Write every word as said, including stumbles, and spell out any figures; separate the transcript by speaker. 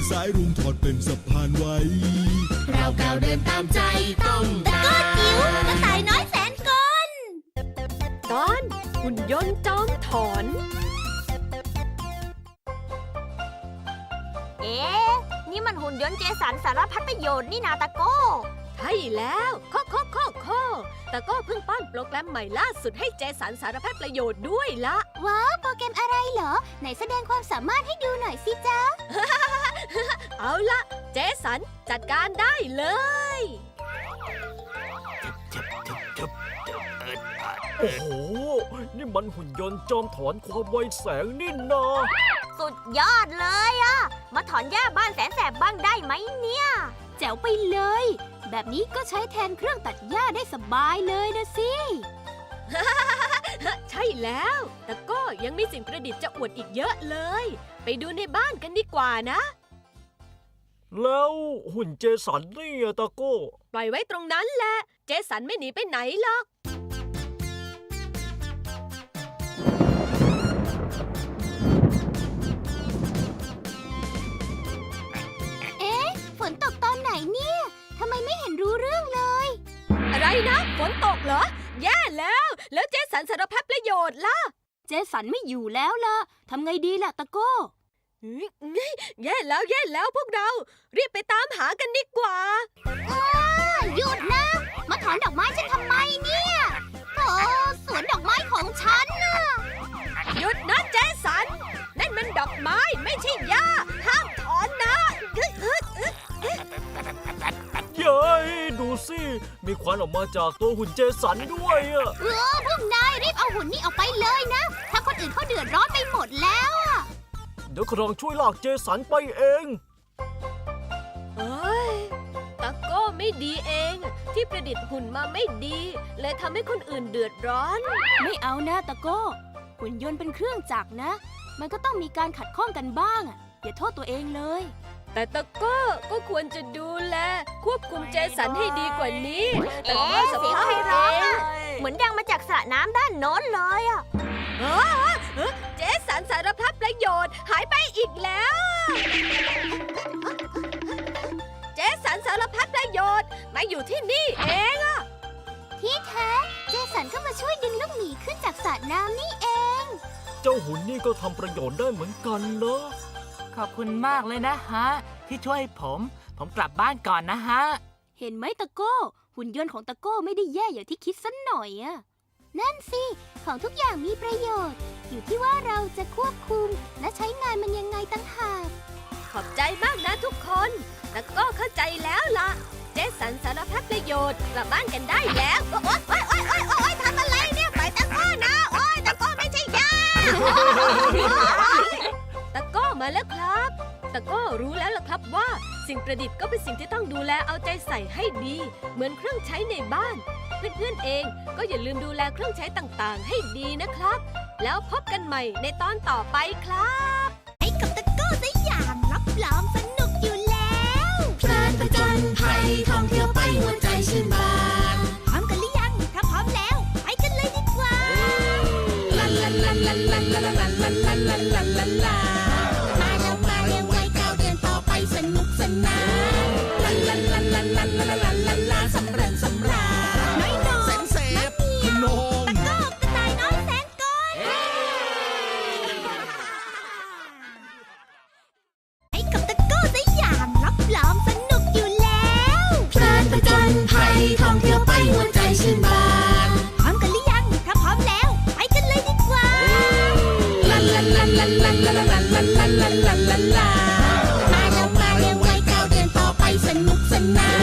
Speaker 1: สายรุ้งทอดเป็นสะพานไว้
Speaker 2: เราก้าวเดินตามใจต้องได้
Speaker 3: ตะโก้จิ๋วกระต่ายน้อยแสนกล
Speaker 4: ตอนหุ่นยนต์จอมถอน
Speaker 3: เอ๊ะนี่มันหุ่นยนต์เจสันสารพัดประโยชน์นี่นาตะโก้
Speaker 4: ใช่แล้วโคโคโคโคตะโก้เพิ่งป้อนโปรแกรมใหม่ล่าสุดให้เจสันสารพัดประโยชน์ด้วยละ
Speaker 3: ว้าวโปรแกรมอะไรเหรอไหนแสดงความสามารถให้ดูหน่อยสิจ๊ะ
Speaker 4: เอาละเจสันจัดการได้เลย
Speaker 5: โอ้โหนี่มันหุ่นยนต์จอมถอนความไวแสงนี่นา
Speaker 3: สุดยอดเลยอะมาถอนหญ้าบ้านแสนแสบบ้างได้ไหมเนี่ยแจ๋วไปเลยแบบนี้ก็ใช้แทนเครื่องตัดหญ้าได้สบายเลยนะสิ
Speaker 4: ใช่แล้วแต่ก็ยังมีสิ่งประดิษฐ์จะอวดอีกเยอะเลยไปดูในบ้านกันดีกว่านะ
Speaker 5: แล้วหุ่นเจสันนี่อะตะโก้
Speaker 4: ปล่อยไว้ตรงนั้นแหละเจสันไม่หนีไปไหนหรอก
Speaker 3: ฝนตกตอนไหนเนี่ยทำไมไม่เห็นรู้เรื่องเลย
Speaker 4: อะไรนะฝนตกเหรอแย่แล้วแล้วเจสันสารพัดประโยชน์ล่ะ
Speaker 3: เจสันไม่อยู่แล้วล่ะทำไงดีล่ะตะโก้
Speaker 4: แย่แล้วแย่แล้วพวกเรารีบไปตามหากันดีกว่า
Speaker 3: หยุดนะมาถอนดอกไม้ฉันทำไมเนี่ยโอ้สวนดอกไม้ของฉันน่ะ
Speaker 4: หยุดนะเจสันนั่นมันดอกไม้ไม่ใช่หญ้าห้ามถอนนะ
Speaker 5: เย้ยดูสิมีควันออกมาจากตัวหุ่นเจสันด้วยอะ
Speaker 3: เออพวกนายรีบเอาหุ่นนี้ออกไปเลยนะถ้าคนอื่นเขาเดือดร้อนไปหมดแล้วอะ
Speaker 5: เดี๋ยวครองช่วยลากเจสันไปเอง
Speaker 4: เอ้ยตะโก้ไม่ดีเองที่ประดิษฐ์หุ่นมาไม่ดีเลยทำให้คนอื่นเดือดร้อน
Speaker 3: ไม่เอานะตะโก้หุ่นยนต์เป็นเครื่องจักรนะมันก็ต้องมีการขัดข้องกันบ้างอ่ะอย่าโทษตัวเองเลย
Speaker 4: แต่ตะโก้ก็ควรจะดูแลควบคุมเจสันให้ดีกว่านี้
Speaker 3: แต่ว่าสภาพเองเหมือนดังมาจากสระน้ำด้านโน้นเลยอ่ะ
Speaker 4: เจสันสารพัดประโยชน์หายไปอีกแล้วเจสันสารพัดประโยชน์มาอยู่ที่นี่เองอะ
Speaker 3: ที่แท้เจสันก็มาช่วยดึงลูกหมีขึ้นจากสระน้ำนี่เอง
Speaker 5: เจ้าหุ่นนี่ก็ทำประโยชน์ได้เหมือนกันเนาะ
Speaker 6: ขอบคุณมากเลยนะฮะที่ช่วยผมผมกลับบ้านก่อนนะฮะ
Speaker 3: เห็นไหมตะโก้หุ่นยนต์ของตะโก้ไม่ได้แย่อย่างที่คิดสักหน่อยอะนั่นสิของทุกอย่างมีประโยชน์อยู่ที่ว่าเราจะควบคุมและใช้งานมันยังไงตั้งหาก
Speaker 4: ขอบใจมากนะทุกคนตะโก้เข้าใจแล้วล่ะเจสันสารพัดประโยชน์กลับบ้านกันได้แล้วโอ๊ยโอ๊ยโอ๊ยโอ๊ยโอ๊ยทำอะไรเนี่ยไปตะโก้นะโอ๊ยตะโก้ไม่ใช่ยาตะโก้มาแล้วครับตะโก้รู้แล้วล่ะครับว่าสิ่งประดิษฐ์ก็เป็นสิ่งที่ต้องดูแลเอาใจใส่ให้ดีเหมือนเครื่องใช้ในบ้านเพื่อนๆเองก็อย่าลืมดูแลเครื่องใช้ต่างๆให้ดีนะครับแล้วพบกันใหม่ในตอนต่อไปครับ
Speaker 2: ไอ้กับตะโก้สยามรับรองสนุกอยู่แล้วเพลินผจญภัยท่องเที่ยวไปหัวใจชื่นบานพร้อมกันหรือยังถ้าพร้อมแล้วไปกันเลยดีกว่าลาลาลาลาลาลาลาลาลาลาลาลาลาลามาแล้วมาเร็วไวก้าวเดินต่อไปสนุกสนานลาลาลาลาลาลาลาลาลาสำเร็จสำราญน้อยน้อยแสนเสพขนมตะโก้กระต่ายน้อยแสนกลไอ้กับตะโก้สยามรับรองสนุกอยู่แล้วเพลินผจญภัยท่องเที่ยวไปหัวใจชื่นบานพร้อมกันหรือยังถ้าพร้อมแล้วไปกันเลยดีกว่าลาลาลาลาลาลาลาลาลาลาลาลาลามาแล้วมาเร็วไวก้าวเดินต่อไปสนุกสนาน